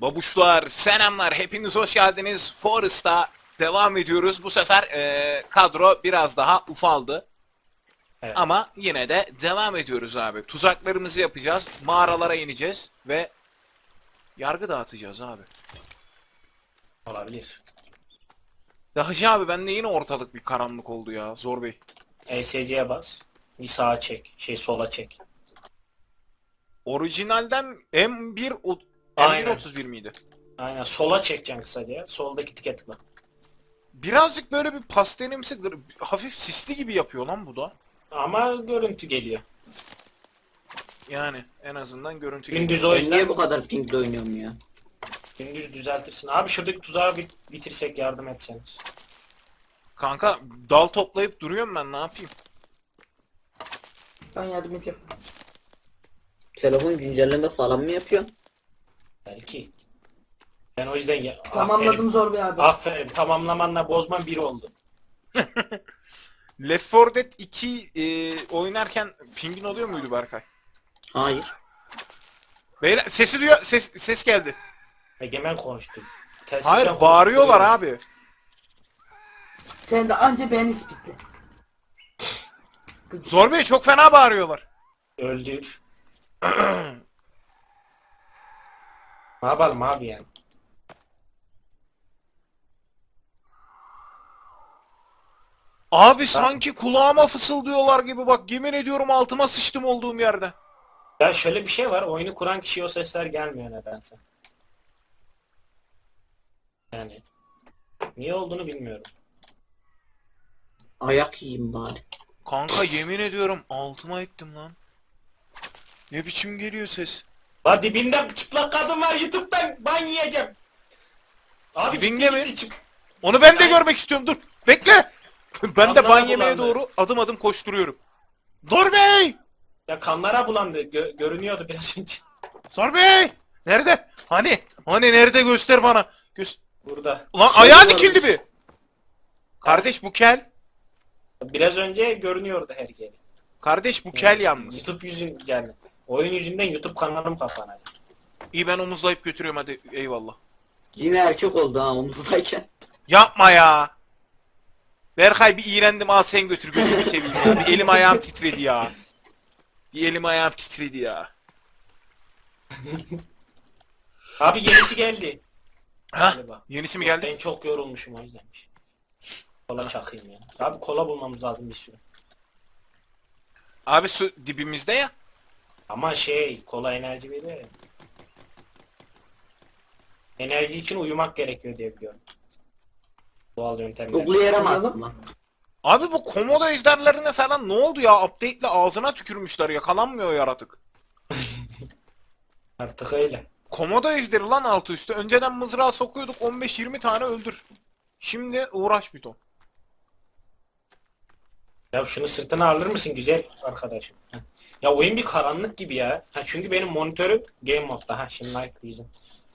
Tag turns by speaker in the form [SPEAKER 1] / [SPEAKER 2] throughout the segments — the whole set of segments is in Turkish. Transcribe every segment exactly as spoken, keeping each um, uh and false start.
[SPEAKER 1] Babuşlar, selamlar. Hepiniz hoş geldiniz. Forest'a devam ediyoruz. Bu sefer eee, kadro biraz daha ufaldı.
[SPEAKER 2] Evet.
[SPEAKER 1] Ama yine de devam ediyoruz abi. Tuzaklarımızı yapacağız. Mağaralara ineceğiz ve yargı dağıtacağız abi.
[SPEAKER 2] Olabilir.
[SPEAKER 1] Ya Hacı abi bende yine ortalık bir karanlık oldu ya. Zor Bey.
[SPEAKER 2] E S C'ye bas. Bir sağa çek. Şey sola çek.
[SPEAKER 1] Orijinalden M bir o-
[SPEAKER 2] Aynen.
[SPEAKER 1] M bir otuz bir miydi?
[SPEAKER 2] Aynen sola çekeceksin kısaca. Soldaki tike tıkla.
[SPEAKER 1] Birazcık böyle bir pastelimsi, gır- hafif sisli gibi yapıyor lan bu da.
[SPEAKER 2] Ama görüntü geliyor.
[SPEAKER 1] Yani en azından görüntü
[SPEAKER 2] Gündüz o
[SPEAKER 3] Ben
[SPEAKER 2] yüzden
[SPEAKER 3] niye bu kadar pinkle oynuyorum ya?
[SPEAKER 2] gündüz düzeltirsin. Abi şuradaki tuzağı bit bitirsek yardım etseniz.
[SPEAKER 1] Kanka dal toplayıp duruyorum ben, ne yapayım?
[SPEAKER 4] Ben yardım edeceğim.
[SPEAKER 3] Telefon güncelleme falan mı yapıyor?
[SPEAKER 2] Belki. Ben o yüzden ya,
[SPEAKER 4] Tamamladım
[SPEAKER 2] aferin.
[SPEAKER 4] Zor Bey abi.
[SPEAKER 2] Aferin. Tamamlamanla bozman bir oldu.
[SPEAKER 1] Left four Dead iki e, oynarken pingin oluyor muydu Berkay?
[SPEAKER 3] Hayır.
[SPEAKER 1] Beyler sesi duyuyor, ses ses geldi.
[SPEAKER 2] Egemen konuştu. Telsizden
[SPEAKER 1] Hayır,
[SPEAKER 2] konuştu,
[SPEAKER 1] bağırıyorlar
[SPEAKER 2] duyuyorum.
[SPEAKER 1] abi.
[SPEAKER 4] Sen de anca ben ispitle.
[SPEAKER 1] Zor Bey çok fena bağırıyorlar.
[SPEAKER 2] Öldür. Ne yapalım abi yani?
[SPEAKER 1] Abi sanki kulağıma fısıldıyorlar gibi, bak yemin ediyorum altıma sıçtım olduğum yerde.
[SPEAKER 2] Ya şöyle bir şey var. Oyunu kuran kişiye o sesler gelmiyor nedense. Yani. Niye olduğunu bilmiyorum.
[SPEAKER 3] Ayak yiyeyim bari.
[SPEAKER 1] Kanka yemin ediyorum altıma ettim lan. Ne biçim geliyor ses?
[SPEAKER 2] La dibinde çıplak kadın var, YouTube'dan ban yiyeceğim. Abi
[SPEAKER 1] Dibinde
[SPEAKER 2] ciddi
[SPEAKER 1] mi?
[SPEAKER 2] ciddi çıp-
[SPEAKER 1] Onu ben de
[SPEAKER 2] Ay.
[SPEAKER 1] görmek istiyorum, dur. Bekle. Ben de
[SPEAKER 2] Vallahi
[SPEAKER 1] ban yemeye
[SPEAKER 2] bulandı.
[SPEAKER 1] doğru adım adım koşturuyorum. Zor Bey!
[SPEAKER 2] Ya kanlara bulandı. Gö- görünüyordu biraz önce.
[SPEAKER 1] Zor Bey! Nerede? Hani? Hani nerede, göster bana. Göz...
[SPEAKER 2] Burada.
[SPEAKER 1] Ulan
[SPEAKER 3] Şey
[SPEAKER 1] ayağı
[SPEAKER 3] varmış.
[SPEAKER 1] dikildi bir. Kardeş bu kel.
[SPEAKER 2] Biraz önce görünüyordu her yeri.
[SPEAKER 1] Kardeş bu kel yalnız.
[SPEAKER 2] YouTube yüzün yani. Oyun yüzünden YouTube kanalım kapanacak.
[SPEAKER 1] İyi, ben omuzlayıp götürüyorum hadi, eyvallah.
[SPEAKER 3] Yine erkek oldu ha omuzdayken.
[SPEAKER 1] Yapma ya. Berkay bir iğrendim, al sen götür, gözünü seveyim ya. Bir elim ayağım titredi ya. Bir elim ayağım titredi ya.
[SPEAKER 2] Abi yenisi geldi.
[SPEAKER 1] Hah,
[SPEAKER 2] Galiba.
[SPEAKER 1] yenisi mi geldi?
[SPEAKER 2] Ben çok yorulmuşum o yüzdenmiş. Kola çakayım ya. Abi kola bulmamız lazım bir sürü.
[SPEAKER 1] Abi su dibimizde ya.
[SPEAKER 2] Ama şey kola enerji veriyor ya. Enerji için uyumak gerekiyor diye biliyorum. Doğal yöntemler.
[SPEAKER 3] Google'ı yere mi
[SPEAKER 4] Uyuyalım.
[SPEAKER 3] attın lan?
[SPEAKER 1] Abi bu komodo ejderlerine falan ne oldu ya? Update'le ağzına tükürmüşler, yakalanmıyor yaratık.
[SPEAKER 2] Artık öyle.
[SPEAKER 1] Komodo ejderi lan altı üstü. Önceden mızrağı sokuyorduk, on beş yirmi tane öldür. Şimdi uğraş bir ton.
[SPEAKER 2] Ya şunu sırtına alır mısın güzel arkadaşım? Heh. Ya oyun bir karanlık gibi ya. Ha, çünkü benim monitörüm game modda. Ha şimdi like diyeceğim.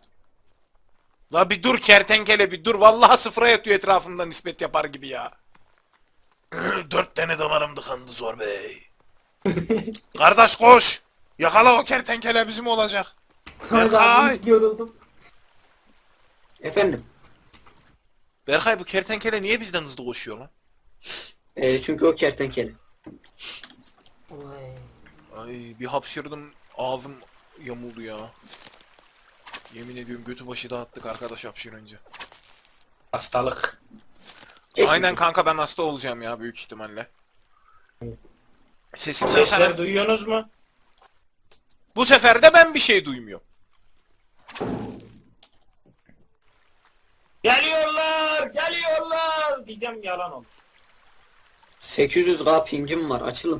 [SPEAKER 1] La bir dur kertenkele, bir dur. Vallahi sıfıra yatıyor etrafımda nispet yapar gibi ya. Dört tane damarım tıkandı Zor Bey. Kardeş koş. Yakala o kertenkele, bizim olacak.
[SPEAKER 4] Sonra
[SPEAKER 1] Berkay.
[SPEAKER 4] ben yoruldum.
[SPEAKER 3] Efendim.
[SPEAKER 1] Berkay bu kertenkele niye bizden hızlı koşuyor lan?
[SPEAKER 3] Ee, çünkü o kertenkele.
[SPEAKER 4] Vay.
[SPEAKER 1] Ay bir hapşırdım, ağzım yamuldu ya. Yemin ediyorum götü başı dağıttık arkadaş hapşırınca.
[SPEAKER 2] Hastalık.
[SPEAKER 3] Geçmiş
[SPEAKER 1] Aynen
[SPEAKER 3] olsun.
[SPEAKER 1] kanka, ben hasta olacağım ya büyük ihtimalle. Sesim
[SPEAKER 2] Sesler
[SPEAKER 1] sana...
[SPEAKER 2] duyuyorsunuz mu?
[SPEAKER 1] Bu sefer de ben bir şey duymuyorum.
[SPEAKER 2] Geliyorlar, geliyorlar diyeceğim yalan olur.
[SPEAKER 3] sekiz yüz K pingim var, açılın.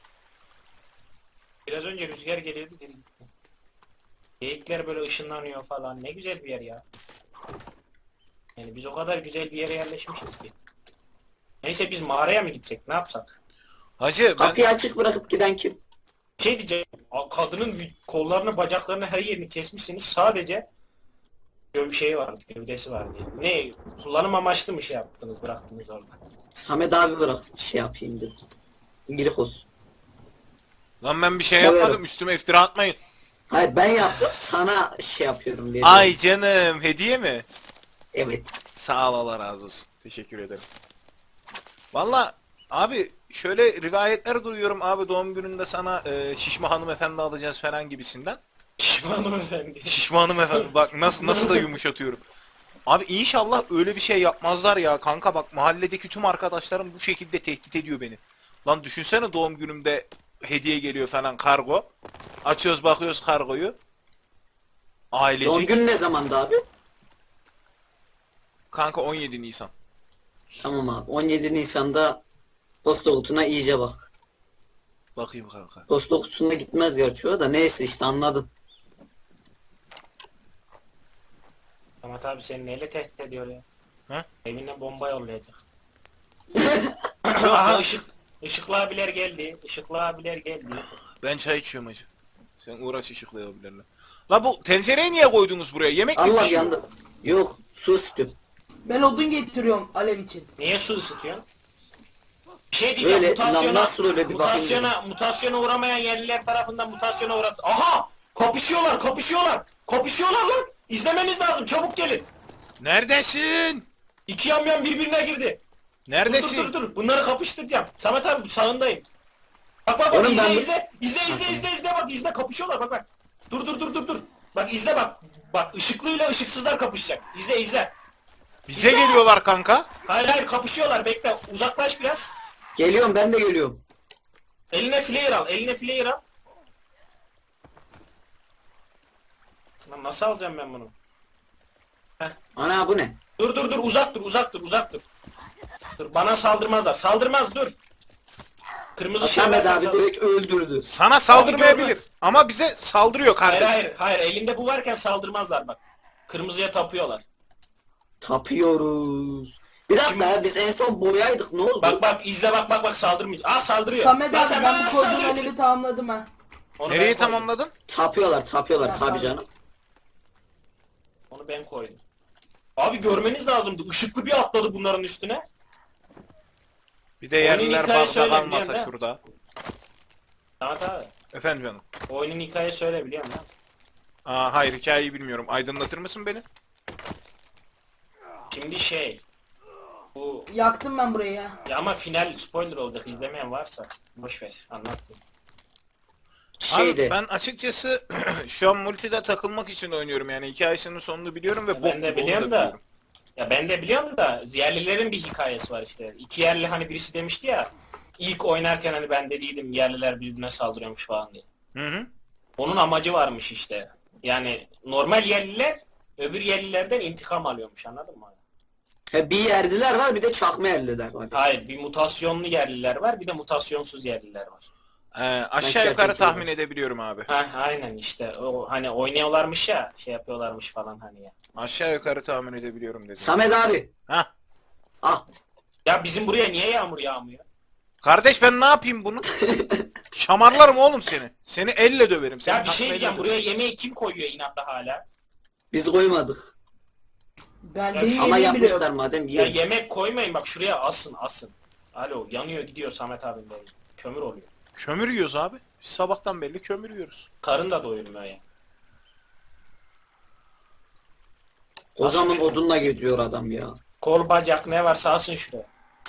[SPEAKER 2] Biraz önce rüzgar geliyordu geri gitti. Geyikler böyle ışınlanıyor falan. Ne güzel bir yer ya. Yani biz o kadar güzel bir yere yerleşmişiz ki. Neyse biz mağaraya mı gitsek? Ne yapsak?
[SPEAKER 1] Hacı ben...
[SPEAKER 3] Kapıyı açık bırakıp giden kim?
[SPEAKER 2] Bir şey diyeceğim. a- Kadının vü- kollarını, bacaklarını, her yerini kesmişsiniz. Sadece göv şey vardı, gövdesi vardı. Ne? Kullanım amaçlı mı şey yaptınız, bıraktınız orada?
[SPEAKER 3] Samet abi bırak şey yapayım dedim. İyilik olsun.
[SPEAKER 1] Lan ben bir şey
[SPEAKER 3] Severim.
[SPEAKER 1] yapmadım, üstüme iftira atmayın.
[SPEAKER 3] Hayır ben yaptım sana şey yapıyorum veriyorum.
[SPEAKER 1] Ay canım, hediye mi?
[SPEAKER 3] Evet.
[SPEAKER 1] Sağ ol, Allah razı olsun. Teşekkür ederim. Valla abi şöyle rivayetler duyuyorum abi, doğum gününde sana e, şişme hanımefendi alacağız falan gibisinden.
[SPEAKER 2] Pişmanım efendim.
[SPEAKER 1] Şişme hanımefendi bak nasıl nasıl da yumuşatıyorum. Abi inşallah öyle bir şey yapmazlar ya kanka, bak mahalledeki tüm arkadaşlarım bu şekilde tehdit ediyor beni. Lan düşünsene doğum günümde hediye geliyor falan, kargo. Açıyoruz bakıyoruz kargoyu.
[SPEAKER 3] Son
[SPEAKER 1] Ailecek.
[SPEAKER 3] gün ne zamandı abi?
[SPEAKER 1] Kanka on yedi Nisan.
[SPEAKER 3] Tamam abi. on yedi Nisan'da posta kutusuna iyice bak.
[SPEAKER 1] Bakayım kanka.
[SPEAKER 3] Posta kutusuna gitmez gerçi o da neyse işte anladın.
[SPEAKER 2] Ama tabi seni neyle tehdit ediyor ya?
[SPEAKER 1] He?
[SPEAKER 2] Evine bomba yollayacak. Aha ışık. Işıklı abiler geldi. Işıklı abiler geldi.
[SPEAKER 1] Ben çay içiyorum hacı. Sen uğraş ışıklayabilirler. La bu tencereyi niye koydunuz buraya? Yemek mi
[SPEAKER 3] Allah
[SPEAKER 1] pişiyor?
[SPEAKER 3] yandı. Yok su istiyorum.
[SPEAKER 4] Ben odun getiriyorum alev için.
[SPEAKER 2] Niye su ısıtıyorsun? Bir şey diyeceğim,
[SPEAKER 3] Öyle,
[SPEAKER 2] mutasyona,
[SPEAKER 3] lan nasıl öyle bir
[SPEAKER 2] mutasyona, mutasyona uğramayan yerliler tarafından mutasyona uğrat. Aha! Kapışıyorlar, kapışıyorlar! Kapışıyorlar lan! İzlemeniz lazım, çabuk gelin!
[SPEAKER 1] Neredesin?
[SPEAKER 2] İki yamyam birbirine girdi. Dur
[SPEAKER 1] Neredesin?
[SPEAKER 2] dur dur dur, bunları kapıştıracağım. Samet abi sağındayım. Bak bak bak,
[SPEAKER 3] Oğlum
[SPEAKER 2] izle,
[SPEAKER 3] ben bu-
[SPEAKER 2] izle izle izle izle izle bak, izle, kapışıyorlar, bak bak. Dur dur dur dur dur. Bak izle bak. Bak ışıklıyla ışıksızlar kapışacak. İzle izle.
[SPEAKER 1] Bize geliyorlar kanka.
[SPEAKER 2] Hayır hayır, kapışıyorlar, bekle, uzaklaş biraz.
[SPEAKER 3] Geliyorum ben de geliyorum.
[SPEAKER 2] Eline flare al, eline flare al. Lan nasıl alacağım ben bunu?
[SPEAKER 3] Ana bu ne?
[SPEAKER 2] Dur dur dur, uzak dur, uzak dur, uzak dur. Dur, bana saldırmazlar. Saldırmaz, dur. Kırmızı şey
[SPEAKER 3] Samet
[SPEAKER 2] ver,
[SPEAKER 3] abi
[SPEAKER 2] saldır-
[SPEAKER 3] direkt öldürdü.
[SPEAKER 1] Sana saldırmayabilir. Ama bize saldırıyor
[SPEAKER 2] Hayır
[SPEAKER 1] kardeşim.
[SPEAKER 2] hayır hayır, elinde bu varken saldırmazlar bak. Kırmızıya tapıyorlar.
[SPEAKER 3] Tapıyoruz. Bir dakika ya, biz en son boyaydık ne oldu?
[SPEAKER 2] Bak bak izle, bak bak bak, saldırmayacak. Aa, saldırıyor.
[SPEAKER 4] Samet
[SPEAKER 2] Lan
[SPEAKER 4] abi
[SPEAKER 2] sen
[SPEAKER 4] ben
[SPEAKER 2] bana
[SPEAKER 4] bu
[SPEAKER 2] nasıl
[SPEAKER 4] koyduğum
[SPEAKER 2] saldırıyorsun?
[SPEAKER 4] alevi tamamladım ha.
[SPEAKER 2] Onu
[SPEAKER 1] Nereyi
[SPEAKER 2] ben koydum.
[SPEAKER 1] tamamladın?
[SPEAKER 3] Tapıyorlar tapıyorlar
[SPEAKER 4] Ya,
[SPEAKER 3] tabi
[SPEAKER 4] tabii.
[SPEAKER 3] canım.
[SPEAKER 2] Onu ben koydum. Abi görmeniz lazımdı. Işıklı bir atladı bunların üstüne.
[SPEAKER 1] Bir de yerliler
[SPEAKER 2] hikaye
[SPEAKER 1] bardak
[SPEAKER 2] söyle,
[SPEAKER 1] almasa
[SPEAKER 2] biliyorum
[SPEAKER 1] şurada.
[SPEAKER 2] Samet abi.
[SPEAKER 1] Efendim canım.
[SPEAKER 2] Oyunun hikaye söyle, biliyor musun?
[SPEAKER 1] Aa, hayır hikayeyi bilmiyorum. Aydınlatır mısın beni?
[SPEAKER 2] Şimdi şey. Bu
[SPEAKER 4] Yaktım ben burayı ya.
[SPEAKER 2] ya, ama final spoiler olacak, izlemeyen varsa boş ver, anlattım.
[SPEAKER 3] Şeyde.
[SPEAKER 1] Abi ben açıkçası şu an multide takılmak için oynuyorum, yani hikayesinin sonunu biliyorum ve
[SPEAKER 2] Ya
[SPEAKER 1] bok
[SPEAKER 2] ben de
[SPEAKER 1] gibi onu
[SPEAKER 2] biliyorum da.
[SPEAKER 1] biliyorum.
[SPEAKER 2] Ya ben de biliyorum da yerlilerin bir hikayesi var işte. İki yerli, hani birisi demişti ya, ilk oynarken hani ben dediydim yerliler birbirine saldırıyormuş falan diye.
[SPEAKER 1] Hı hı.
[SPEAKER 2] Onun amacı varmış işte. Yani normal yerliler öbür yerlilerden intikam alıyormuş, anladın mı?
[SPEAKER 3] He, bir yerliler var bir de çakma yerliler var.
[SPEAKER 2] Hayır, bir mutasyonlu yerliler var, bir de mutasyonsuz yerliler var.
[SPEAKER 1] Ee, aşağı
[SPEAKER 3] Ben
[SPEAKER 1] yukarı
[SPEAKER 3] gerçekten
[SPEAKER 1] tahmin
[SPEAKER 3] olsun.
[SPEAKER 1] edebiliyorum abi.
[SPEAKER 2] Ha aynen işte, o hani oynuyorlarmış ya, şey yapıyorlarmış falan hani ya.
[SPEAKER 1] Aşağı yukarı tahmin edebiliyorum dedim.
[SPEAKER 3] Samet abi.
[SPEAKER 1] Ha.
[SPEAKER 3] Ah.
[SPEAKER 2] Ya bizim buraya niye yağmur yağmıyor?
[SPEAKER 1] Kardeş ben ne yapayım bunu? Şamarlarım oğlum seni. Seni elle döverim. Seni
[SPEAKER 2] Ya bir
[SPEAKER 1] takmayla
[SPEAKER 2] şey diyeceğim,
[SPEAKER 1] döverim.
[SPEAKER 2] buraya yemeği kim koyuyor inatla hala?
[SPEAKER 3] Biz koymadık.
[SPEAKER 4] Ben
[SPEAKER 2] Ya
[SPEAKER 4] benim
[SPEAKER 3] Ama
[SPEAKER 4] yemeğim bile
[SPEAKER 3] yapmışlar
[SPEAKER 4] yok.
[SPEAKER 3] madem
[SPEAKER 2] Ya
[SPEAKER 3] yiyelim.
[SPEAKER 2] yemek koymayın bak, şuraya asın asın. Alo, yanıyor gidiyor Samet abim benim. Kömür oluyor.
[SPEAKER 1] Kömür yiyoruz abi. Biz sabahtan belli kömür yiyoruz.
[SPEAKER 2] Karın da doyurmuyor ya.
[SPEAKER 3] Kocaman
[SPEAKER 2] Nasıl bir şey?
[SPEAKER 3] odunla geziyor adam ya.
[SPEAKER 2] Kol bacak ne varsa asın şuraya.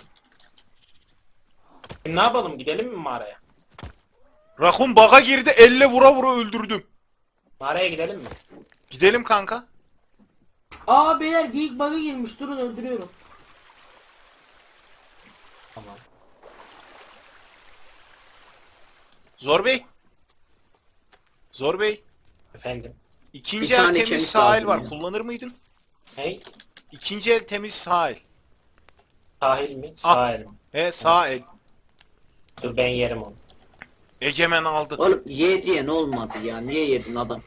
[SPEAKER 2] E, ne yapalım, gidelim mi mağaraya?
[SPEAKER 1] Rakun baga girdi, elle vura vura öldürdüm.
[SPEAKER 2] Mağaraya gidelim mi?
[SPEAKER 1] Gidelim kanka.
[SPEAKER 4] Aa beyler geyik bug'a girmiş, durun öldürüyorum.
[SPEAKER 2] Tamam.
[SPEAKER 1] Zor Bey. Zor Bey.
[SPEAKER 2] Efendim.
[SPEAKER 1] İkinci
[SPEAKER 3] Bir
[SPEAKER 1] el
[SPEAKER 3] tane
[SPEAKER 1] temiz
[SPEAKER 3] kemik
[SPEAKER 1] sahil
[SPEAKER 3] lazım
[SPEAKER 1] var.
[SPEAKER 3] ya.
[SPEAKER 1] Kullanır mıydın?
[SPEAKER 2] Hey,
[SPEAKER 1] İkinci el temiz sahil.
[SPEAKER 2] sahil mi?
[SPEAKER 1] Ah.
[SPEAKER 2] Sahil mi?
[SPEAKER 1] He sağ el.
[SPEAKER 2] Dur ben yerim onu.
[SPEAKER 1] Egemen aldı.
[SPEAKER 3] Oğlum ye diye ne olmadı ya? Niye yedin adam?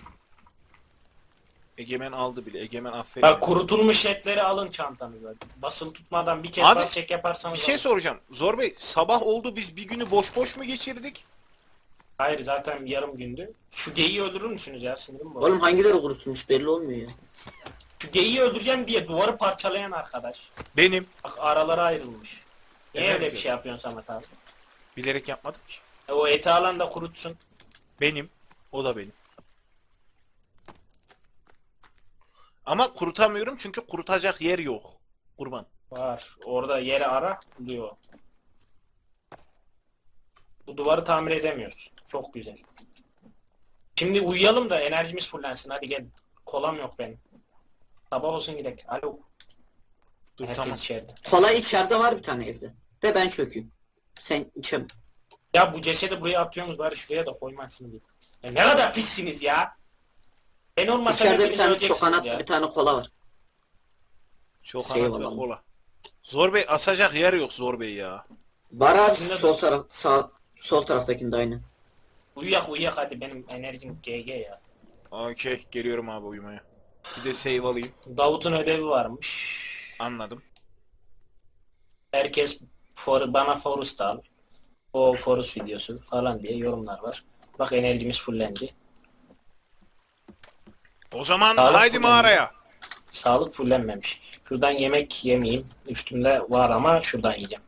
[SPEAKER 1] Egemen aldı bile. Egemen aferin.
[SPEAKER 2] Bak, kurutulmuş etleri alın çantanıza. Basılı tutmadan bir kez
[SPEAKER 1] Abi,
[SPEAKER 2] bas çek yaparsanız
[SPEAKER 1] Bir şey
[SPEAKER 2] alın.
[SPEAKER 1] soracağım. Zor Bey, sabah oldu, biz bir günü boş boş mu geçirdik?
[SPEAKER 2] Hayır, zaten yarım gündü. Şu geyiği öldürür müsünüz ya, sinirim bu.
[SPEAKER 3] Oğlum hangileri kurutulmuş belli olmuyor ya.
[SPEAKER 2] Şu geyiği öldüreceğim diye duvarı parçalayan arkadaş.
[SPEAKER 1] Benim.
[SPEAKER 2] Bak, aralara ayrılmış. Niye
[SPEAKER 1] Evet,
[SPEAKER 2] öyle bir
[SPEAKER 1] evet.
[SPEAKER 2] şey yapıyorsun Samet abi?
[SPEAKER 1] Bilerek yapmadım ki.
[SPEAKER 2] E, o eti alan da kurutsun.
[SPEAKER 1] Benim. O da benim. Ama kurutamıyorum çünkü kurutacak yer yok. Kurban.
[SPEAKER 2] Var. Orada yeri ara buluyor. Bu duvarı tamir edemiyoruz. Çok güzel. Şimdi uyuyalım da enerjimiz fullensin. Hadi gel. Kolam yok benim. Sabah olsun gidelim. Alo.
[SPEAKER 1] Dur
[SPEAKER 2] Herkes
[SPEAKER 1] tamam.
[SPEAKER 2] içeride.
[SPEAKER 3] Kola içeride var bir tane evde. De ben çökeyim. Sen içem.
[SPEAKER 2] Ya bu cesedi buraya atıyorsunuz bari şuraya da koymasın diye. Ya ne kadar pissiniz ya. Ben olmasam
[SPEAKER 3] İçeride bir
[SPEAKER 2] hepiniz
[SPEAKER 3] tane
[SPEAKER 2] öleceksiniz
[SPEAKER 3] çokanatlı
[SPEAKER 2] ya.
[SPEAKER 3] bir tane kola var.
[SPEAKER 1] Çok
[SPEAKER 3] Şey
[SPEAKER 1] anlat ve
[SPEAKER 3] olalım.
[SPEAKER 1] kola. Zor Bey asacak yer yok Zor Bey ya.
[SPEAKER 3] Var abi
[SPEAKER 2] Üstünde
[SPEAKER 3] sol
[SPEAKER 2] dursun.
[SPEAKER 3] taraf sağ sol taraftakinde aynı.
[SPEAKER 2] Uyuyak uyuyak hadi benim enerjim G G ya.
[SPEAKER 1] Okey geliyorum abi uyumaya. Bir de save alayım.
[SPEAKER 2] Davut'un ödevi varmış.
[SPEAKER 1] Anladım.
[SPEAKER 2] Herkes for, bana Forest al. O Forest videosu falan diye yorumlar var. Bak enerjimiz fullendi.
[SPEAKER 1] O zaman
[SPEAKER 2] Sağlık
[SPEAKER 1] haydi
[SPEAKER 2] kullanımı.
[SPEAKER 1] mağaraya.
[SPEAKER 2] Sağlık fullenmemiş. Şuradan yemek yemeyeyim. Üstümde var ama şuradan yiyeceğim.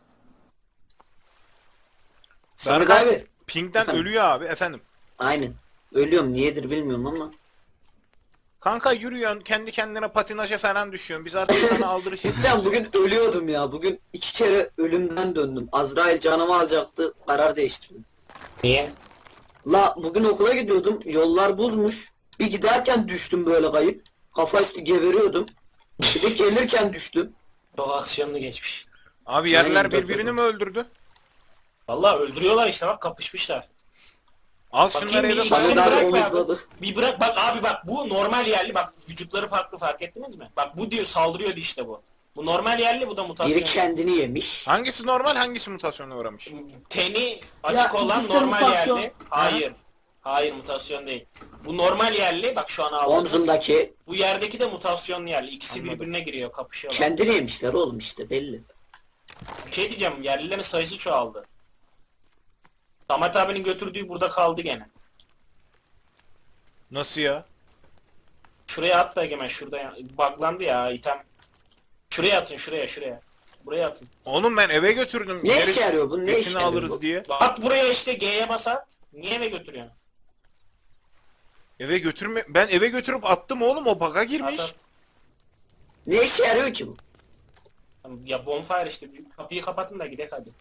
[SPEAKER 3] Samet
[SPEAKER 1] Berkay
[SPEAKER 3] abi.
[SPEAKER 1] Pink'ten
[SPEAKER 3] Efendim?
[SPEAKER 1] ölüyor abi efendim.
[SPEAKER 3] Aynen. Ölüyorum niyedir bilmiyorum ama.
[SPEAKER 1] Kanka yürüyorsun kendi kendine patinaja falan düşüyorsun. Biz artık sana aldırış
[SPEAKER 3] Cidden
[SPEAKER 1] ediyoruz.
[SPEAKER 3] bugün ölüyordum ya. Bugün iki kere ölümden döndüm. Azrail canımı alacaktı. Karar değiştirdim.
[SPEAKER 2] Niye?
[SPEAKER 3] La bugün okula gidiyordum. Yollar buzmuş. Bir giderken düştüm böyle kayıp. Kafa üstü geberiyordum. Bir de gelirken düştüm.
[SPEAKER 2] Çok aksiyonlu geçmiş.
[SPEAKER 1] Abi yerler
[SPEAKER 3] Aynen,
[SPEAKER 1] birbirini
[SPEAKER 3] doğru.
[SPEAKER 1] mi öldürdü?
[SPEAKER 2] Vallahi öldürüyorlar işte bak kapışmışlar.
[SPEAKER 1] Al
[SPEAKER 2] Bakayım
[SPEAKER 1] şunları
[SPEAKER 2] bir
[SPEAKER 1] eve
[SPEAKER 2] iş-
[SPEAKER 1] koy.
[SPEAKER 3] Samet
[SPEAKER 2] İsim
[SPEAKER 3] abi
[SPEAKER 2] bırakma abi.
[SPEAKER 3] omuzladı.
[SPEAKER 2] Bir bırak bak abi bak bu normal yerli bak vücutları farklı fark ettiniz mi? Bak bu diyor saldırıyordu işte bu. Bu normal yerli bu da mutasyon.
[SPEAKER 3] Biri kendini yemiş.
[SPEAKER 1] Hangisi normal hangisi mutasyona uğramış?
[SPEAKER 2] Teni açık
[SPEAKER 4] Ya,
[SPEAKER 2] olan
[SPEAKER 4] ikisi de
[SPEAKER 2] normal
[SPEAKER 4] mutasyon.
[SPEAKER 2] yerli. Hayır. Hayır mutasyon değil. Bu normal yerli bak şu an aldığımız.
[SPEAKER 3] Omzumdaki
[SPEAKER 2] Bu yerdeki de mutasyonlu yerli. İkisi
[SPEAKER 1] Anladım.
[SPEAKER 2] birbirine giriyor kapışıyorlar.
[SPEAKER 3] kendini yemişler oğlum işte belli.
[SPEAKER 2] Bir şey diyeceğim yerlilerin sayısı çoğaldı. Samet abinin götürdüğü burada kaldı gene.
[SPEAKER 1] Nasıl ya?
[SPEAKER 2] Şuraya at da Egemen şurada ya. Buglandı ya item. Şuraya atın şuraya şuraya. Buraya atın.
[SPEAKER 1] Oğlum ben eve götürdüm.
[SPEAKER 3] Ne
[SPEAKER 1] Yeri-
[SPEAKER 3] işe yarıyor bu? Ne
[SPEAKER 1] Götünü
[SPEAKER 3] işe yarıyor
[SPEAKER 1] alırız
[SPEAKER 3] bu?
[SPEAKER 1] diye.
[SPEAKER 2] Bak buraya işte G'ye bas at. Niye eve götürüyorsun?
[SPEAKER 1] Eve götürme ben eve götürüp attım oğlum o bug'a girmiş.
[SPEAKER 2] At, at.
[SPEAKER 3] Ne işe yarıyor ki bu?
[SPEAKER 2] Ya bonfire işte. Kapıyı kapatın da gidelim hadi.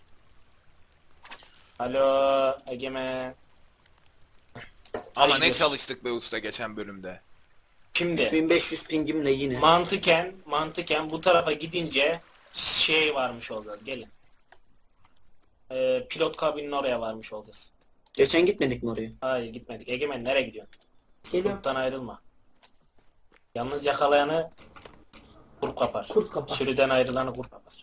[SPEAKER 2] Alo Egemen.
[SPEAKER 1] Ama
[SPEAKER 2] Hadi
[SPEAKER 1] ne
[SPEAKER 2] gidiyoruz.
[SPEAKER 1] çalıştık be usta geçen bölümde.
[SPEAKER 2] Şimdi
[SPEAKER 3] üç bin beş yüz pingimle yine.
[SPEAKER 2] mantıken mantıken bu tarafa gidince şey varmış olacağız. Gelin. Ee, pilot kabinin oraya varmış olacağız.
[SPEAKER 3] Geçen gitmedik mi oraya?
[SPEAKER 2] Hayır gitmedik. Egemen nereye gidiyorsun?
[SPEAKER 4] Geliyorum.
[SPEAKER 2] Gruptan ayrılma. Yalnız yakalayanı kurt kapar.
[SPEAKER 4] Kurt kapar.
[SPEAKER 2] Sürüden ayrılanı kurt kapar.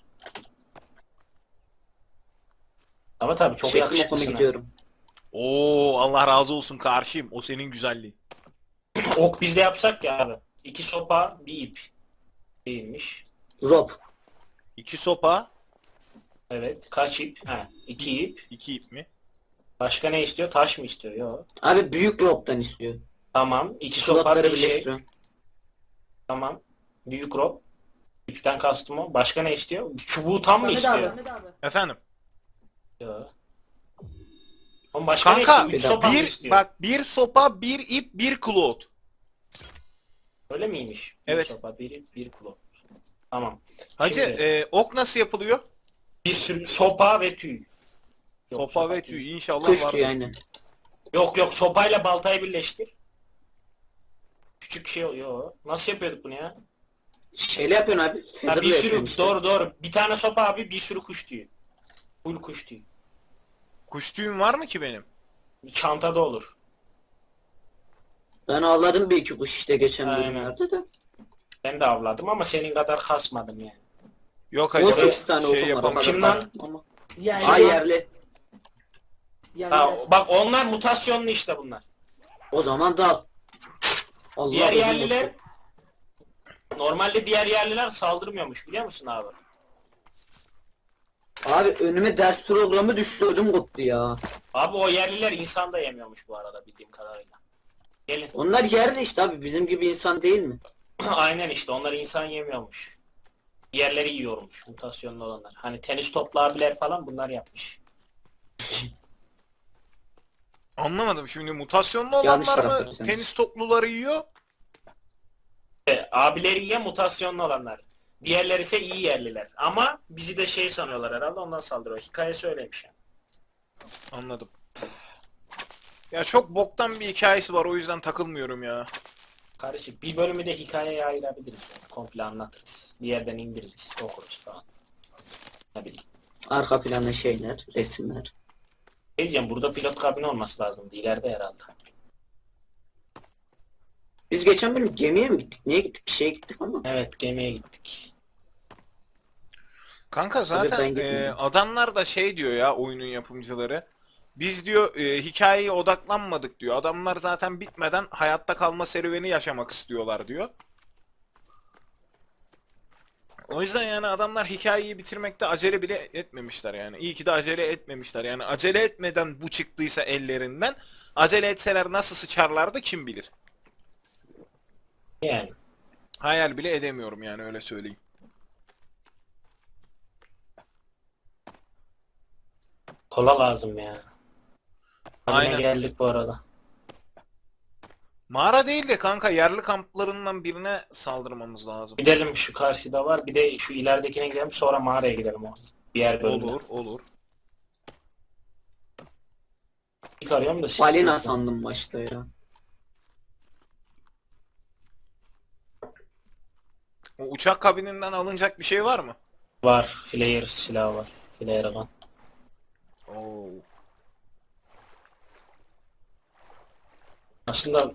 [SPEAKER 2] Ama tabii çok
[SPEAKER 3] Çektim okunu
[SPEAKER 2] yakışıklısın. ha.
[SPEAKER 3] gidiyorum.
[SPEAKER 1] Oo Allah razı olsun karşıyım. O senin güzelliğin.
[SPEAKER 2] Ok bizde yapsak ya abi. İki sopa bir ip. Değilmiş.
[SPEAKER 3] Rob.
[SPEAKER 1] İki sopa,
[SPEAKER 2] Evet. Kaç ip? Ha, iki ip.
[SPEAKER 1] iki ip mi?
[SPEAKER 2] Başka ne istiyor? Taş mı istiyor? Yok.
[SPEAKER 3] Abi büyük Rob'dan istiyor.
[SPEAKER 2] Tamam. İki sopa
[SPEAKER 3] Slotları
[SPEAKER 2] bir şey.
[SPEAKER 3] birleştiriyor.
[SPEAKER 2] Tamam. Büyük rob. İpten kastım o. Başka ne istiyor? Çubuğu tam mı
[SPEAKER 4] Samet
[SPEAKER 2] istiyor?
[SPEAKER 4] abi. Samet abi.
[SPEAKER 1] Efendim.
[SPEAKER 2] Yok. Oğlum başka ne
[SPEAKER 1] Kanka
[SPEAKER 2] istiyor? Üç sopa mı
[SPEAKER 1] bir
[SPEAKER 2] istiyor?
[SPEAKER 1] bak bir sopa, bir ip, bir klot.
[SPEAKER 2] Öyle miymiş? Bir
[SPEAKER 1] Evet.
[SPEAKER 2] sopa, bir ip, bir klo. Tamam.
[SPEAKER 1] Hacı
[SPEAKER 2] Şimdi-
[SPEAKER 1] e, ok nasıl yapılıyor?
[SPEAKER 2] Bir sürü sopa ve tüy. Yok,
[SPEAKER 1] sopa ve
[SPEAKER 2] değil.
[SPEAKER 1] tüy inşallah
[SPEAKER 3] Kuş
[SPEAKER 1] var.
[SPEAKER 3] diyor aynen.
[SPEAKER 2] Yok yok sopayla baltayı birleştir. Küçük şey oluyor. Nasıl yapıyorduk bunu ya?
[SPEAKER 3] Şeyle yapıyorsun abi.
[SPEAKER 2] Ha,
[SPEAKER 3] Feather'la
[SPEAKER 2] bir sürü
[SPEAKER 3] yapıyorsun işte.
[SPEAKER 2] doğru doğru. Bir tane sopa abi bir sürü kuş tüyü. Full kuş tüyü.
[SPEAKER 1] Kuş tüyüm var mı ki benim?
[SPEAKER 2] Bir çantada olur.
[SPEAKER 3] Ben avladım bir iki kuş işte geçen
[SPEAKER 2] Aynen.
[SPEAKER 3] bölümlerde de.
[SPEAKER 2] Ben de avladım ama senin kadar kasmadım yani.
[SPEAKER 1] Yok hacı
[SPEAKER 3] on
[SPEAKER 1] ben
[SPEAKER 3] sekiz tane
[SPEAKER 1] şey
[SPEAKER 3] okum var. o
[SPEAKER 1] yapamam.
[SPEAKER 3] kadar
[SPEAKER 2] Kim lan?
[SPEAKER 3] bastım ama.
[SPEAKER 4] Yani.
[SPEAKER 3] Ay yerli.
[SPEAKER 4] Yani.
[SPEAKER 2] Ha, bak onlar mutasyonlu işte bunlar.
[SPEAKER 3] O zaman dal. Allah
[SPEAKER 2] Diğer
[SPEAKER 3] uzun
[SPEAKER 2] yerliler
[SPEAKER 3] olsun.
[SPEAKER 2] normalde diğer yerliler saldırmıyormuş biliyor musun abi?
[SPEAKER 3] Abi önüme ders programı düştü ödüm koptu ya.
[SPEAKER 2] Abi o yerliler insan da yemiyormuş bu arada bildiğim kadarıyla. Gelin.
[SPEAKER 3] Onlar yerli işte abi bizim gibi insan değil mi?
[SPEAKER 2] Aynen işte onlar insan yemiyormuş. Diğerleri yiyormuş mutasyonlu olanlar. Hani tenis toplu abiler falan bunlar yapmış.
[SPEAKER 1] Anlamadım şimdi mutasyonlu
[SPEAKER 3] Yanlış
[SPEAKER 1] olanlar mı
[SPEAKER 3] taraftayız.
[SPEAKER 1] tenis topluları yiyor?
[SPEAKER 2] E, Abileri ya mutasyonlu olanlar. Diğerleri ise iyi yerliler. Ama bizi de şey sanıyorlar herhalde, ondan saldırıyor. Hikaye söylemiş yani.
[SPEAKER 1] Anladım. Ya çok boktan bir hikayesi var, o yüzden takılmıyorum ya.
[SPEAKER 2] Karışık. Bir bölümü de hikayeye ayırabiliriz yani. Komple anlatırız. Bir yerden indiririz, okuruz falan. Ne bileyim.
[SPEAKER 3] Arka planda şeyler, resimler.
[SPEAKER 2] Ne diyeceğim, burada pilot kabini olması lazımdı. İleride herhalde.
[SPEAKER 3] Biz geçen bölüm gemiye mi gittik? Niye gittik? Bir şeye gittik ama.
[SPEAKER 2] Evet, gemiye gittik.
[SPEAKER 1] Kanka
[SPEAKER 3] ben
[SPEAKER 1] zaten
[SPEAKER 3] gitmedim.
[SPEAKER 1] e, adamlar da şey diyor ya, oyunun yapımcıları. Biz diyor e, hikayeye odaklanmadık diyor. Adamlar zaten bitmeden hayatta kalma serüveni yaşamak istiyorlar diyor. O yüzden yani adamlar hikayeyi bitirmekte acele bile etmemişler yani. İyi ki de acele etmemişler. Yani acele etmeden bu çıktıysa ellerinden, acele etseler nasıl sıçarlardı kim bilir.
[SPEAKER 2] Yani.
[SPEAKER 1] Hayal bile edemiyorum yani, öyle söyleyeyim.
[SPEAKER 2] Kola lazım ya. Aynen.
[SPEAKER 1] Aynen.
[SPEAKER 2] Geldik bu arada.
[SPEAKER 1] Mağara değil de kanka, yerli kamplarından birine saldırmamız lazım.
[SPEAKER 2] Gidelim, şu karşıda var. Bir de şu ileridekine gidelim, sonra mağaraya gidelim. O diğer bölümde.
[SPEAKER 1] Olur, olur.
[SPEAKER 2] Çıkarıyorum da.
[SPEAKER 3] Balina sandım başta ya.
[SPEAKER 1] O uçak kabininden alınacak bir şey var mı?
[SPEAKER 2] Var. Flare silahı var. Flare gun.
[SPEAKER 1] Oo.
[SPEAKER 2] Aslında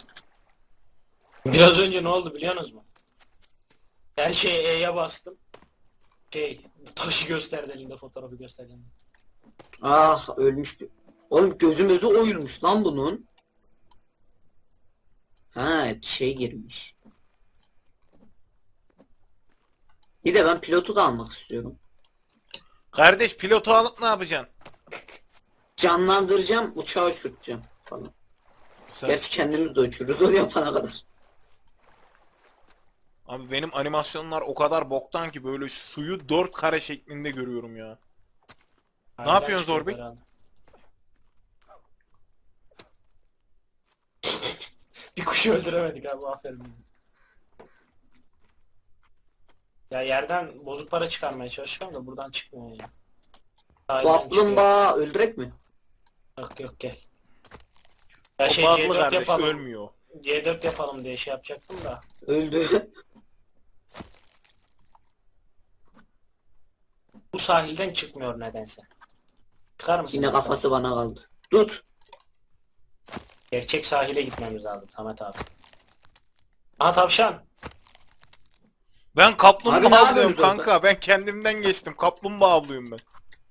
[SPEAKER 2] biraz önce ne oldu biliyorsunuz mu? Her şeye E'ye bastım. Şey, taşı gösterdi elinde, fotoğrafı gösterdi.
[SPEAKER 3] Ah ölmüş. bir- Oğlum gözümüzü oyulmuş lan bunun. Ha şey girmiş. Bir de ben pilotu da almak istiyorum.
[SPEAKER 1] Kardeş, pilotu alıp ne yapacaksın?
[SPEAKER 3] Canlandıracağım, uçağı uçurtacağım falan.
[SPEAKER 1] Sen-
[SPEAKER 3] Gerçi kendimiz de uçururuz o yapana kadar.
[SPEAKER 1] Abi benim animasyonlar o kadar boktan ki, böyle suyu dört kare şeklinde görüyorum ya. Ne yapıyorsun
[SPEAKER 2] çıkıyor
[SPEAKER 1] Zorbi?
[SPEAKER 2] herhalde. Bir kuşu öldüremedik abi, aferin. Ya yerden bozuk para çıkarmaya çalışıyorum da buradan çıkmıyor ya. Sahilden çıkıyor.
[SPEAKER 3] Kaplumbağa öldürek mi?
[SPEAKER 2] Yok yok, gel. Ya
[SPEAKER 1] O
[SPEAKER 2] şey
[SPEAKER 1] bağlı
[SPEAKER 2] C dört
[SPEAKER 1] kardeş,
[SPEAKER 2] yapalım.
[SPEAKER 1] ölmüyor.
[SPEAKER 2] C dört yapalım diye şey yapacaktım da.
[SPEAKER 3] Öldü.
[SPEAKER 2] Bu sahilden çıkmıyor nedense. Çıkar mısın?
[SPEAKER 3] Yine kafası bana kaldı. Tut.
[SPEAKER 2] Gerçek sahile gitmemiz lazım Samet abi. Aha tavşan.
[SPEAKER 1] Ben
[SPEAKER 3] Abi ne
[SPEAKER 1] kaplumbağa avlıyorum
[SPEAKER 3] yapıyorsunuz
[SPEAKER 1] kanka. Ben kendimden geçtim. Kaplumbağa avlıyorum ben.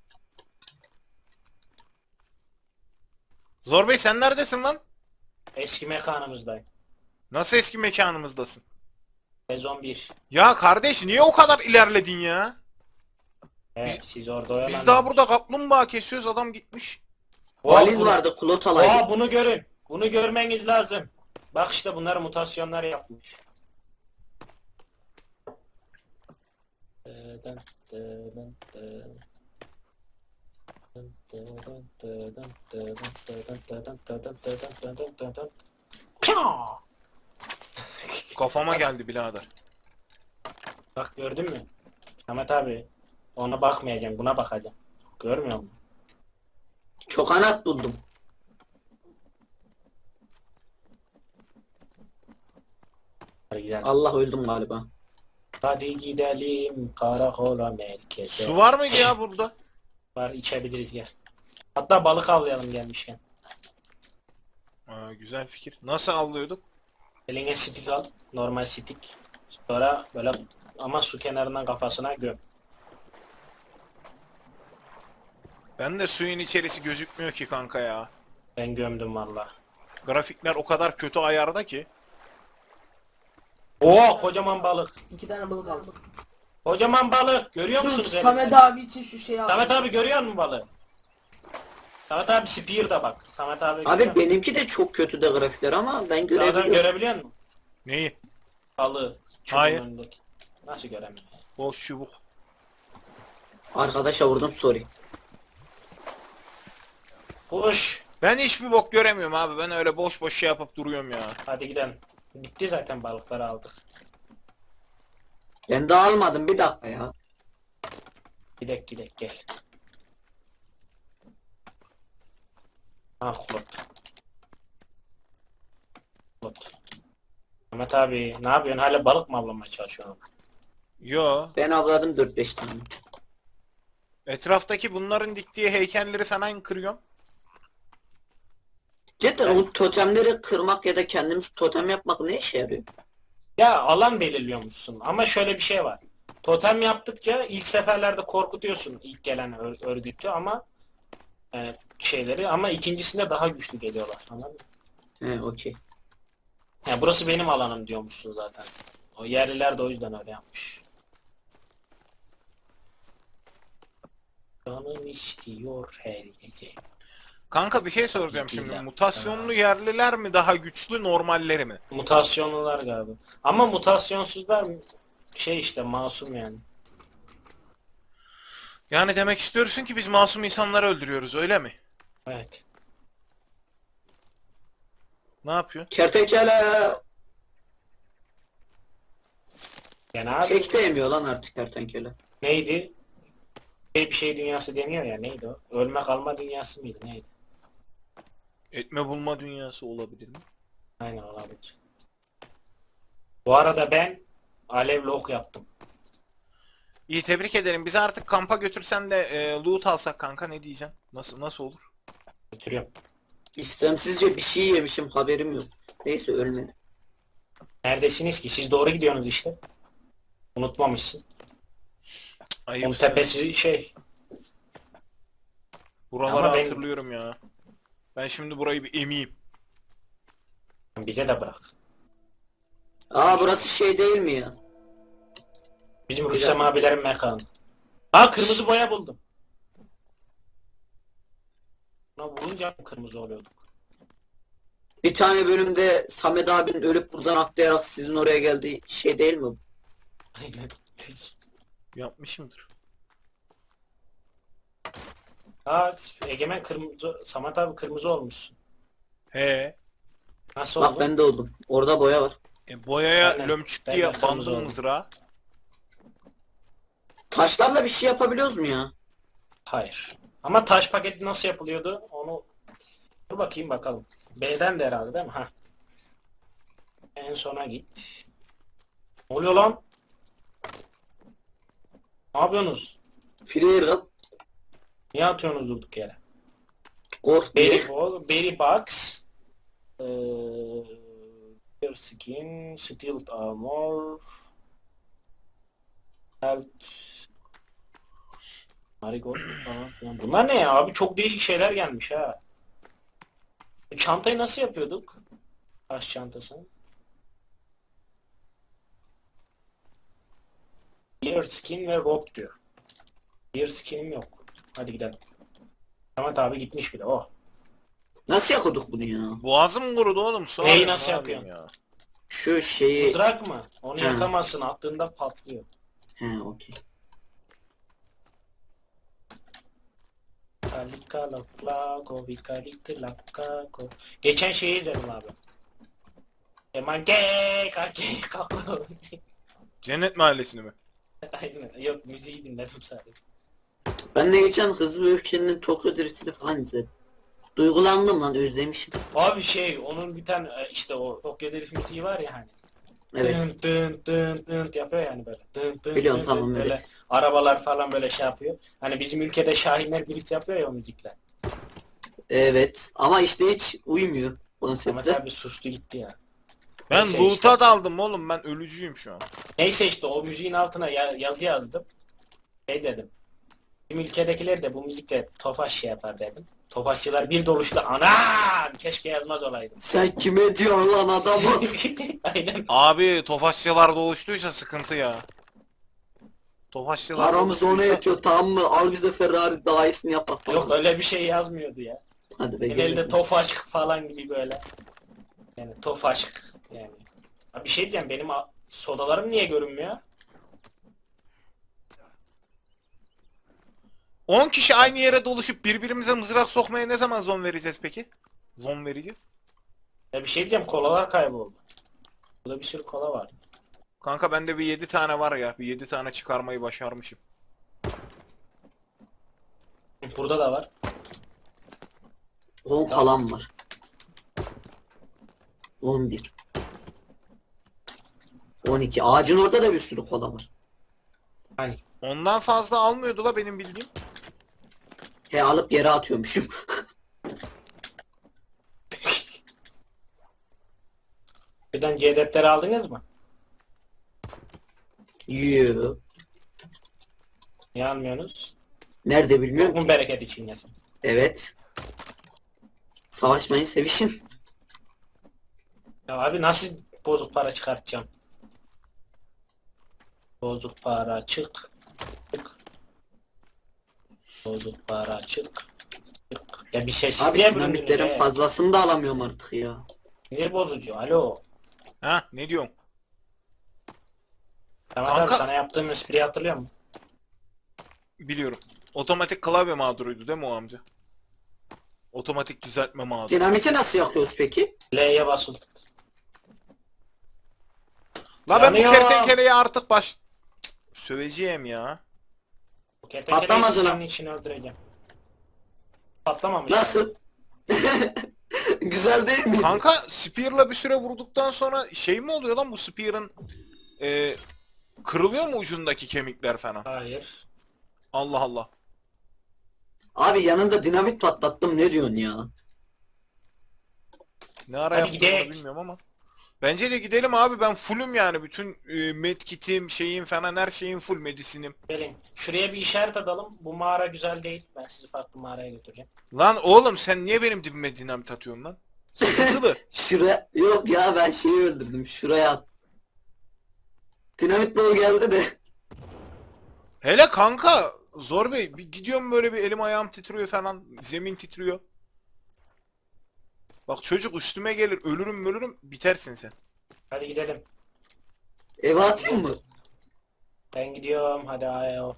[SPEAKER 1] Zor Bey, sen neredesin lan?
[SPEAKER 2] Eski mekanımızdayım.
[SPEAKER 1] Nasıl eski mekanımızdasın?
[SPEAKER 2] Sezon bir.
[SPEAKER 1] Ya kardeş, niye o kadar ilerledin ya?
[SPEAKER 2] Evet, siz orada oyalanın.
[SPEAKER 1] Biz daha burada kaplumbağa kesiyoruz, adam gitmiş.
[SPEAKER 3] Valiz
[SPEAKER 2] bunu-
[SPEAKER 3] vardı kulot alaydı.
[SPEAKER 2] Oha, bunu görün. Bunu görmeniz lazım. Bak işte, bunlar mutasyonlar yapmış. Dıdın, dıdın, dıdın. Dıdın, dıdın, dıdın, dıdın, dıdın, dıdın, dıdın, dıdın, dıdın. Pşaa!
[SPEAKER 1] Kafama geldi birader.
[SPEAKER 2] Bak, gördün mü? Ahmet abi, ona bakmayacağım, buna bakacağım. Görmüyor musun?
[SPEAKER 3] Çok anat buldum.
[SPEAKER 2] Hadi gidelim.
[SPEAKER 3] Allah öldüm galiba.
[SPEAKER 2] Hadi gidelim karakola merkeze.
[SPEAKER 1] Su var mıydı ya burada?
[SPEAKER 2] Var, içebiliriz, gel. Hatta balık avlayalım gelmişken.
[SPEAKER 1] Aa, güzel fikir. Nasıl avlıyorduk?
[SPEAKER 2] Eline stick al. Normal stick. Sonra böyle, ama su kenarından kafasına göm.
[SPEAKER 1] Ben de suyun içerisi gözükmüyor ki kanka ya.
[SPEAKER 2] Ben gömdüm valla.
[SPEAKER 1] Grafikler o kadar kötü ayarda ki.
[SPEAKER 2] Oo, kocaman balık.
[SPEAKER 4] İki tane balık aldım.
[SPEAKER 2] Kocaman balık. Görüyor
[SPEAKER 4] Dur
[SPEAKER 2] musunuz?
[SPEAKER 4] Samet abi için şu şeyi aldım.
[SPEAKER 2] Samet abi görüyor musun balığı? Samet abi spear da bak. Samet abi görüyor
[SPEAKER 3] Abi
[SPEAKER 2] musun?
[SPEAKER 3] benimki de çok kötü de grafikler ama ben
[SPEAKER 2] Samet abi
[SPEAKER 3] görebiliyorum.
[SPEAKER 2] görebiliyor musun?
[SPEAKER 1] Neyi?
[SPEAKER 2] Balığı. Çubuğun
[SPEAKER 1] Hayır.
[SPEAKER 2] önündeki. Nasıl göremiyorum?
[SPEAKER 1] Boş çubuk.
[SPEAKER 3] Arkadaşa vurdum sorry.
[SPEAKER 2] Kuş.
[SPEAKER 1] Ben hiçbir bok göremiyorum abi. Ben öyle boş boş şey yapıp duruyorum ya.
[SPEAKER 2] Hadi gidelim. Bitti zaten, balıkları aldık.
[SPEAKER 3] Ben daha almadım, bir dakika ya.
[SPEAKER 2] Gidek gidek gel. Ah Klot. Klot. Ahmet abi ne yapıyorsun? Hala balık mı avlamaya çalışıyorsun?
[SPEAKER 1] Yo.
[SPEAKER 3] Ben avladım dört beş tane.
[SPEAKER 1] Etraftaki bunların diktiği heykelleri falan kırıyorum.
[SPEAKER 3] Cidden o totemleri kırmak ya da kendimiz totem yapmak ne işe yarıyor?
[SPEAKER 2] Ya alan belirliyormuşsun ama şöyle bir şey var. Totem yaptıkça ilk seferlerde korkutuyorsun ilk gelen ör- örgütü ama e, şeyleri, ama ikincisinde daha güçlü geliyorlar. Anladın mı?
[SPEAKER 3] He okey.
[SPEAKER 2] Ya burası benim alanım diyormuşsun zaten. O yerliler de o yüzden öyle yapmış. Canım istiyor her gece.
[SPEAKER 1] Kanka bir şey soracağım şimdi.
[SPEAKER 2] Gittiler.
[SPEAKER 1] Mutasyonlu yerliler mi daha güçlü, normalleri mi?
[SPEAKER 2] Mutasyonlular galiba. Ama mutasyonsuzlar şey işte masum yani.
[SPEAKER 1] Yani demek istiyorsun ki biz masum insanları öldürüyoruz, öyle mi?
[SPEAKER 2] Evet.
[SPEAKER 1] Ne yapıyor?
[SPEAKER 3] Kertenkele
[SPEAKER 2] Yani abi
[SPEAKER 3] kek de yemiyor lan artık kertenkele.
[SPEAKER 2] neydi? Şey, bir şey dünyası deniyor ya, neydi o? Ölme kalma dünyası mıydı neydi?
[SPEAKER 1] Etme bulma dünyası olabilir mi?
[SPEAKER 2] Aynen olabilir. Bu arada ben alevli ok yaptım.
[SPEAKER 1] İyi, tebrik ederim. Bizi artık kampa götürsen de e, loot alsak kanka, ne diyeceksin? Nasıl nasıl olur?
[SPEAKER 2] Götürüyorum.
[SPEAKER 3] İstemsizce bir şey yemişim, haberim yok. Neyse ölmedi.
[SPEAKER 2] Neredesiniz ki? Siz doğru gidiyorsunuz işte. Unutmamışsın. Onun
[SPEAKER 1] Ayıpsın.
[SPEAKER 2] tepesi şey.
[SPEAKER 1] Buraları
[SPEAKER 2] Ama ben-
[SPEAKER 1] hatırlıyorum ya. Ben şimdi burayı bir emeyim.
[SPEAKER 2] Bize de bırak.
[SPEAKER 3] Aa burası şey değil mi ya?
[SPEAKER 2] Bizim Rüstem abilerin mekanı. Ha, kırmızı boya buldum. Buna vurunca mı kırmızı oluyorduk?
[SPEAKER 3] Bir tane bölümde Samet abinin ölüp buradan atlayarak sizin oraya geldiği şey değil mi?
[SPEAKER 2] Aynen.
[SPEAKER 1] Yapmışımdır.
[SPEAKER 2] Ha, Egemen kırmızı, Samet abi kırmızı olmuşsun.
[SPEAKER 1] He.
[SPEAKER 2] Nasıl
[SPEAKER 3] Bak
[SPEAKER 2] oldu?
[SPEAKER 3] ben de oldum. Orada boya var.
[SPEAKER 1] E, boyaya
[SPEAKER 2] Aynen.
[SPEAKER 1] lömçük
[SPEAKER 2] Ben
[SPEAKER 1] diye
[SPEAKER 2] de kırmızı
[SPEAKER 1] bandım
[SPEAKER 2] oldum.
[SPEAKER 1] mızrağı.
[SPEAKER 3] Taşlarla bir şey yapabiliyoruz mu ya?
[SPEAKER 2] Hayır. Ama taş paketi nasıl yapılıyordu? Onu dur bakayım bakalım. B'den de herhalde değil mi? Ha. En sona git. Ne oluyor lan? Ne yapıyorsunuz?
[SPEAKER 3] Freer kat.
[SPEAKER 2] Niye atıyorsunuz durduk yere?
[SPEAKER 3] Kork
[SPEAKER 2] Berry
[SPEAKER 3] diye.
[SPEAKER 2] ball, berry box, eee, bear skin, steel armor, health, marigold falan filan. Bunlar ne ya abi? Çok değişik şeyler gelmiş ha. Bu çantayı nasıl yapıyorduk? Taş çantasını. Bear skin ve rope diyor. Bear skinim yok. Hadi gidelim. Ahmet abi gitmiş bile. Oh.
[SPEAKER 3] Nasıl yakıyorduk bunu ya?
[SPEAKER 1] Boğazım kurudu oğlum. Su
[SPEAKER 2] Neyi
[SPEAKER 1] arıyorum,
[SPEAKER 2] nasıl
[SPEAKER 1] ne yapayım
[SPEAKER 2] yapıyorsun?
[SPEAKER 1] ya?
[SPEAKER 3] Şu şeyi...
[SPEAKER 2] Mızrak mı? Onu
[SPEAKER 3] Hı.
[SPEAKER 2] yakamazsın. Attığında patlıyor.
[SPEAKER 3] He okey.
[SPEAKER 2] Kalika laklako, vikalika laklako. Geçen şeyi izledim abi. Eman ge kake kako.
[SPEAKER 1] Cennet Mahallesi'ni mi?
[SPEAKER 2] Aynen. Yok, müziği dinledim sadece.
[SPEAKER 3] Ben de geçen Hızlı ve Öfke'nin Tokyo Drift'ini falan izledim. Duygulandım lan, özlemişim.
[SPEAKER 2] Abi şey, onun bir tane e, işte o Tokyo Drift müziği var ya hani.
[SPEAKER 3] Evet.
[SPEAKER 2] Dın dın dın dın yapıyor yani böyle. Dın dın
[SPEAKER 3] Biliyorum,
[SPEAKER 2] dın
[SPEAKER 3] tamam,
[SPEAKER 2] dın, böyle
[SPEAKER 3] evet.
[SPEAKER 2] arabalar falan böyle şey yapıyor. Hani bizim ülkede Şahinler drift yapıyor ya o müzikler.
[SPEAKER 3] Evet. Ama işte hiç uymuyor
[SPEAKER 2] Ahmet
[SPEAKER 3] konsepte.
[SPEAKER 2] abi sustu gitti ya.
[SPEAKER 1] Ben
[SPEAKER 2] Neyse
[SPEAKER 1] loot'a
[SPEAKER 2] işte.
[SPEAKER 1] daldım oğlum, ben ölücüyüm şu an.
[SPEAKER 2] Neyse işte o müziğin altına ya- yazı yazdım. Şey dedim. Bizim ülkedekiler de bu müzikle tofaş şey yapar dedim. Tofaşçılar bir doluştu. Anam! Keşke yazmaz olaydım.
[SPEAKER 3] Sen kime diyorsun lan adamı?
[SPEAKER 2] Aynen.
[SPEAKER 1] Abi Tofaşçılar doluştuysa sıkıntı ya. Tofaşçılar
[SPEAKER 3] Paramız ona
[SPEAKER 1] doluştuysa-
[SPEAKER 3] yetiyor, tamam mı? Al bize Ferrari daha iyisini yap bak.
[SPEAKER 2] Yok öyle bir şey yazmıyordu ya.
[SPEAKER 3] Hadi be
[SPEAKER 2] Genelde
[SPEAKER 3] gelelim.
[SPEAKER 2] tofaşk falan gibi böyle. Yani tofaşk yani. Ha, bir şey diyeceğim, benim a- sodalarım niye görünmüyor?
[SPEAKER 1] on kişi aynı yere doluşup birbirimize mızrak sokmaya ne zaman zon vereceğiz peki? Zon vereceğiz.
[SPEAKER 2] Ya bir şey diyeceğim, kolalar kayboldu. Burada bir sürü kola var.
[SPEAKER 1] Kanka bende bir yedi tane var ya. Bir yedi tane çıkarmayı başarmışım.
[SPEAKER 2] Burada da var.
[SPEAKER 3] on kalan var. on bir. on iki. Ağacın orada da bir sürü kola var.
[SPEAKER 2] Hani
[SPEAKER 1] Ondan fazla almıyordu la benim bildiğim.
[SPEAKER 3] He alıp yere atıyormuşum.
[SPEAKER 2] birden C defteri aldınız mı?
[SPEAKER 3] Yoo.
[SPEAKER 2] Niye almıyorsunuz?
[SPEAKER 3] Nerede bilmiyorum.
[SPEAKER 2] Bokun bereket içindesin.
[SPEAKER 3] Evet. Savaşmayın, sevişin.
[SPEAKER 2] Ya abi nasıl bozuk para çıkartacağım? Bozuk para çık. Çık. Bozuk para çık. Çık. Ya bir
[SPEAKER 3] Abi
[SPEAKER 2] sessizliğe büründün
[SPEAKER 3] dinamitlerin
[SPEAKER 2] ya.
[SPEAKER 3] fazlasını da alamıyorum artık ya.
[SPEAKER 2] Sinir bozucu. Alo.
[SPEAKER 1] Ha ne diyorsun?
[SPEAKER 2] Tamam
[SPEAKER 1] Kanka-
[SPEAKER 2] abi sana yaptığım espriyi hatırlıyor musun?
[SPEAKER 1] Biliyorum. Otomatik klavye mağduruydu değil mi o amca? Otomatik düzeltme mağduru.
[SPEAKER 3] Dinamiti nasıl yakıyoruz peki?
[SPEAKER 2] L'ye basıl.
[SPEAKER 1] La ben bu
[SPEAKER 2] Yanıyor.
[SPEAKER 1] kertenkeleyi artık baş... Cık, söveceğim ya.
[SPEAKER 2] Bu kertenkeleyi
[SPEAKER 3] Patlamadı lan.
[SPEAKER 2] senin için öldüreceğim. Patlamamış.
[SPEAKER 3] Nasıl? Güzel değil mi?
[SPEAKER 1] Kanka Spear'la bir süre vurduktan sonra şey mi oluyor lan bu Spear'ın e, kırılıyor mu ucundaki kemikler falan?
[SPEAKER 2] Hayır.
[SPEAKER 1] Allah Allah.
[SPEAKER 3] Abi yanında dinamit patlattım, ne diyorsun ya?
[SPEAKER 1] Ne ara
[SPEAKER 2] Hadi
[SPEAKER 1] yaptığını
[SPEAKER 2] gidelim.
[SPEAKER 1] bilmiyorum ama. Bence de gidelim abi, ben fullüm yani, bütün e, medkit'im şeyim falan, her şeyim full, medisinim.
[SPEAKER 2] Gelin. Şuraya bir işaret atalım. Bu mağara güzel değil. Ben sizi farklı mağaraya götüreceğim.
[SPEAKER 1] Lan oğlum sen niye benim dibime dinamit atıyorsun lan? Sıkıntılı.
[SPEAKER 3] Şuraya... Yok ya, ben şeyi öldürdüm. Şuraya at. Dinamit bol geldi de.
[SPEAKER 1] Hele kanka Zor Bey, bir gidiyorum böyle bir elim ayağım titriyor falan, zemin titriyor. Bak çocuk üstüme gelir, ölürüm ölürüm, bitersin sen.
[SPEAKER 2] Hadi gidelim.
[SPEAKER 3] Eve atayım mı?
[SPEAKER 2] Ben gidiyorum. Hadi ayo.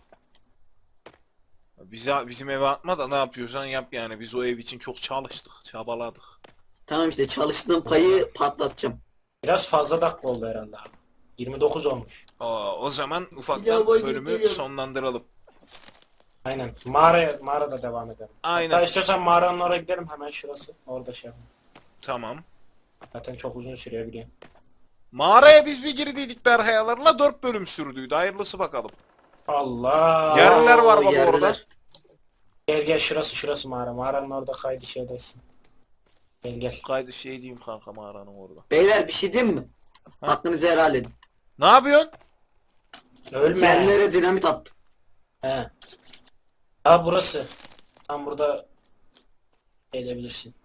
[SPEAKER 1] Bize, bizim eve atma da ne yapıyorsan yap yani, biz o ev için çok çalıştık, çabaladık.
[SPEAKER 3] Tamam işte, çalıştığım payı patlatacağım.
[SPEAKER 2] Biraz fazla dakika oldu herhalde abi. yirmi dokuz olmuş.
[SPEAKER 1] Aa, o zaman
[SPEAKER 4] Ya
[SPEAKER 1] ufaktan
[SPEAKER 4] boy
[SPEAKER 1] bölümü
[SPEAKER 4] geliyorum.
[SPEAKER 1] sonlandıralım.
[SPEAKER 2] Aynen. Mağaraya, mağarada devam edelim.
[SPEAKER 1] Aynen.
[SPEAKER 2] Hatta istiyorsan mağaranın oraya gidelim, hemen şurası. Orada şey yapalım.
[SPEAKER 1] Tamam.
[SPEAKER 2] Zaten çok uzun sürüyor biliyorum.
[SPEAKER 1] Mağaraya biz bir girdiydik Berhayalarla, dört bölüm sürdüydü. Hayırlısı bakalım.
[SPEAKER 2] Allah.
[SPEAKER 1] Yerliler var
[SPEAKER 3] Oo,
[SPEAKER 1] baba
[SPEAKER 3] yerliler.
[SPEAKER 1] orada.
[SPEAKER 2] Gel gel, şurası şurası mağara. Mağaranın orada kaydı şeydesin. Gel gel.
[SPEAKER 1] Kaydı şey diyeyim kanka, mağaranın orada.
[SPEAKER 3] Beyler bir şey diyeyim mi?
[SPEAKER 1] Ha?
[SPEAKER 3] Hakkınızı helal edin.
[SPEAKER 1] Ne yapıyorsun?
[SPEAKER 2] Ölme.
[SPEAKER 3] Yerlere dinamit attım.
[SPEAKER 2] He. Ha burası. Tam burada edebilirsin.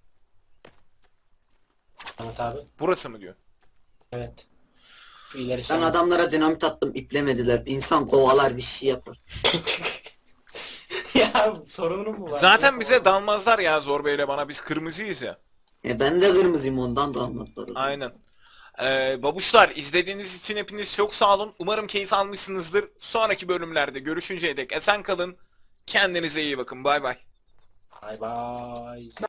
[SPEAKER 2] Ahmet abi.
[SPEAKER 1] Burası mı diyor?
[SPEAKER 2] Evet. Şu ileri
[SPEAKER 3] Ben
[SPEAKER 2] sen.
[SPEAKER 3] adamlara dinamit attım, iplemediler. İnsan kovalar, bir şey yapar.
[SPEAKER 2] Ya sorunun mu var?
[SPEAKER 1] Zaten
[SPEAKER 2] Yok,
[SPEAKER 1] bize
[SPEAKER 2] oğlum.
[SPEAKER 1] dalmazlar ya Zor Bey'le bana, biz kırmızıyız ya.
[SPEAKER 3] E ben de kırmızıyım, ondan da anlattılar.
[SPEAKER 1] Aynen. Ee, babuşlar, izlediğiniz için hepiniz çok sağ olun. Umarım keyif almışsınızdır. Sonraki bölümlerde görüşünceye dek esen kalın. Kendinize iyi bakın. Bay bay.
[SPEAKER 2] Bay bay.